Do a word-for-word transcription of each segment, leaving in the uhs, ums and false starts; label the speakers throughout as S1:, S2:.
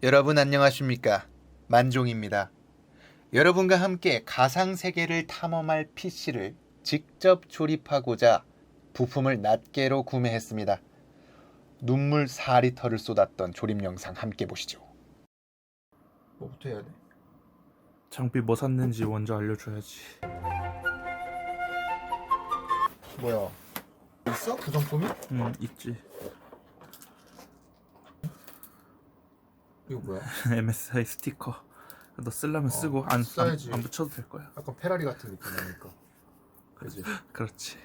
S1: 여러분 안녕하십니까? 만종입니다. 여러분과 함께 가상세계를 탐험할 피씨를 직접 조립하고자 부품을 낱개로 구매했습니다. 눈물 사 리터를 쏟았던 조립 영상 함께 보시죠. 뭐부터 해야 돼?
S2: 장비 뭐 샀는지 먼저 알려줘야지.
S1: 뭐야? 있어? 구성품이?
S2: 응, 있지.
S1: 이거 뭐야?
S2: 엠에스아이 스티커. 너 쓰려면
S1: 어,
S2: 쓰고 안, 안,
S1: 써야지.
S2: 안 붙여도 될 거야.
S1: 약간 페라리 같은 느낌 나니까. 그지?
S2: 그렇지.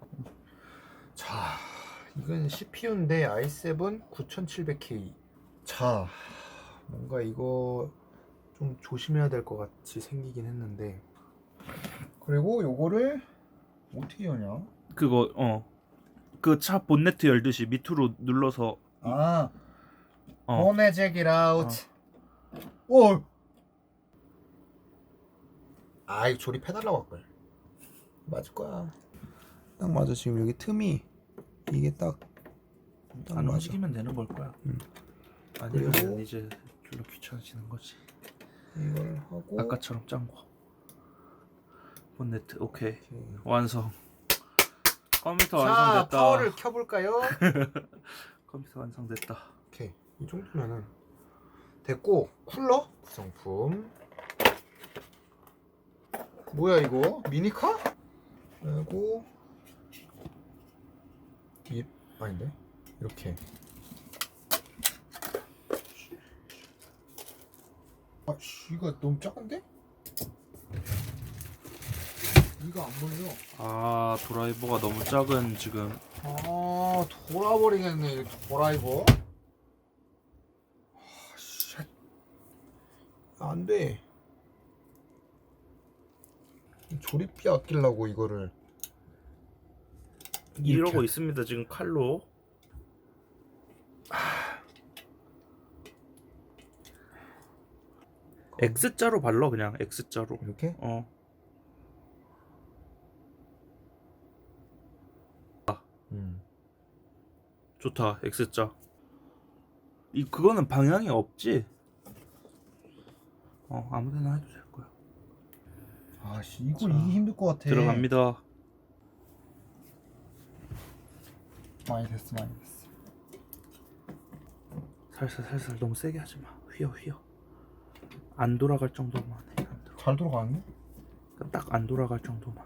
S1: 자, 이건 씨피유인데 아이 세븐 구천칠백 케이. 자, 뭔가 이거 좀 조심해야 될 것 같이 생기긴 했는데. 그리고 요거를 어떻게 여냐?
S2: 그거 어. 그 차 본네트 열듯이 밑으로 눌러서
S1: 아,
S2: 어.
S1: 보내 check it out. 오. 아, 이거 조립해달라고 할걸. 맞을 거야. 딱 맞아. 지금 여기 틈이 이게 딱. 딱
S2: 안
S1: 맞아.
S2: 움직이면 되는 걸 거야.
S1: 응.
S2: 아니면
S1: 그리고
S2: 이제 별로 귀찮아지는 거지.
S1: 이걸 하고.
S2: 아까처럼 짠 거. 본네트 오케이.
S1: 오케이.
S2: 완성. 컴퓨터
S1: 자,
S2: 완성됐다.
S1: 파워를 켜볼까요?
S2: 컴퓨터 완성됐다.
S1: 오케이, 이 정도면은 됐고. 쿨러 구성품 뭐야 이거? 미니카? 그리고 이 아닌데? 이렇게. 아씨, 이거 너무 작은데? 이거 안 보여.
S2: 아 드라이버가 너무 작은 지금.
S1: 아, 돌아버리겠네 이 드라이버. 아, 쉣. 안 돼. 조립비 아끼려고 이거를
S2: 이러고
S1: 이렇게.
S2: 있습니다 지금 칼로. X자로 발라 그냥 X자로.
S1: 이렇게?
S2: 어.
S1: 음.
S2: 좋다 X자. 이 그거는 방향이 없지. 어 아무데나 해도 될 거야.
S1: 아씨, 이거
S2: 자,
S1: 이게 힘들 것 같아.
S2: 들어갑니다.
S1: 많이 됐어, 많이 됐어.
S2: 살살 살살 너무 세게 하지 마. 휘어 휘어. 안 돌아갈 정도만 해. 안 돌아.
S1: 잘 들어가는데?
S2: 딱 안 돌아갈 정도만.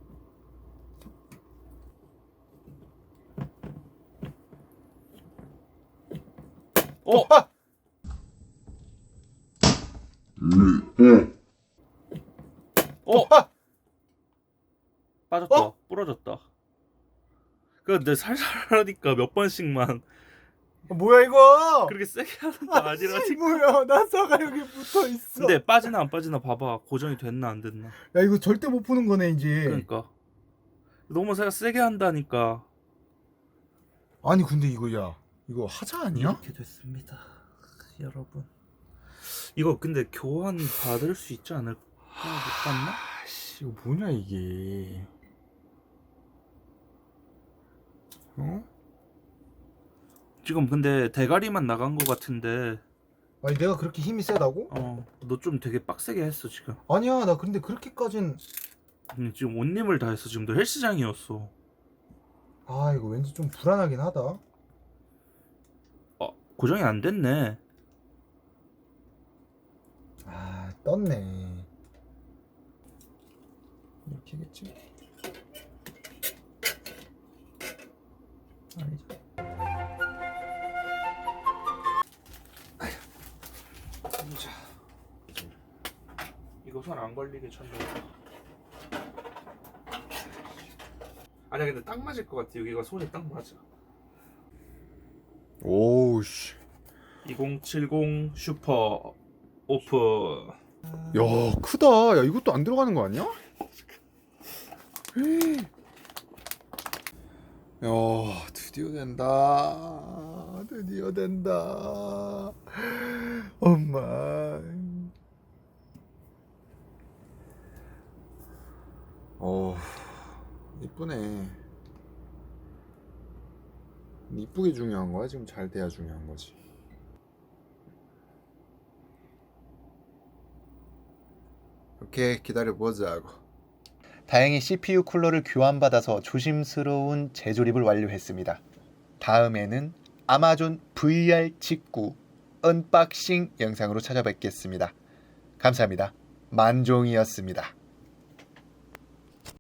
S2: 어!
S1: 아!
S2: 어!
S1: 아!
S2: 빠졌다.
S1: 어?
S2: 부러졌다. 근데 살살 하니까 몇 번씩만
S1: 뭐야 이거?
S2: 그렇게 세게 하는 거 아니라
S1: 아씨,
S2: 지금.
S1: 뭐야? 나사가 여기 붙어 있어.
S2: 근데 빠지나 안 빠지나 봐봐. 고정이 됐나 안 됐나.
S1: 야, 이거 절대 못 푸는 거네 이제.
S2: 그러니까 너무 세- 세게 한다니까.
S1: 아니 근데 이거 야, 이거 하자 아니야?
S2: 이렇게 됐습니다 여러분. 이거 근데 교환 받을 수 있지 않을까? 못 받나?
S1: 아씨, 이거 뭐냐 이게? 어?
S2: 지금 근데 대가리만 나간 거 같은데.
S1: 아니 내가 그렇게 힘이 세다고?
S2: 어너 좀 되게 빡세게 했어 지금.
S1: 아니야, 나 근데 그렇게까진.
S2: 근데 지금 온 힘을 다해서 지금 너 헬스장이었어.
S1: 아, 이거 왠지 좀 불안하긴 하다.
S2: 어 고정이 안 됐네.
S1: 아, 떴네. 이렇게겠지? 아니죠.
S2: 자, 이거 손 안 걸리게 쳤네. 아니야 근데 딱 맞을 것 같아. 여기가 손이 딱 맞아.
S1: 오우씨.
S2: 이공칠공 슈퍼 오픈.
S1: 야, 크다. 야, 이것도 안 들어가는 거 아니야? 야, 드디어 된다. 드디어 된다. 엄마. 어, 이쁘네. 이쁘게 중요한 거야? 지금 잘 돼야 중요한 거지. 오케이, 기다려보자고.
S3: 다행히 씨피유 쿨러를 교환받아서 조심스러운 재조립을 완료했습니다. 다음에는 아마존 브이알 직구 언박싱 영상으로 찾아뵙겠습니다. 감사합니다. 만종이었습니다.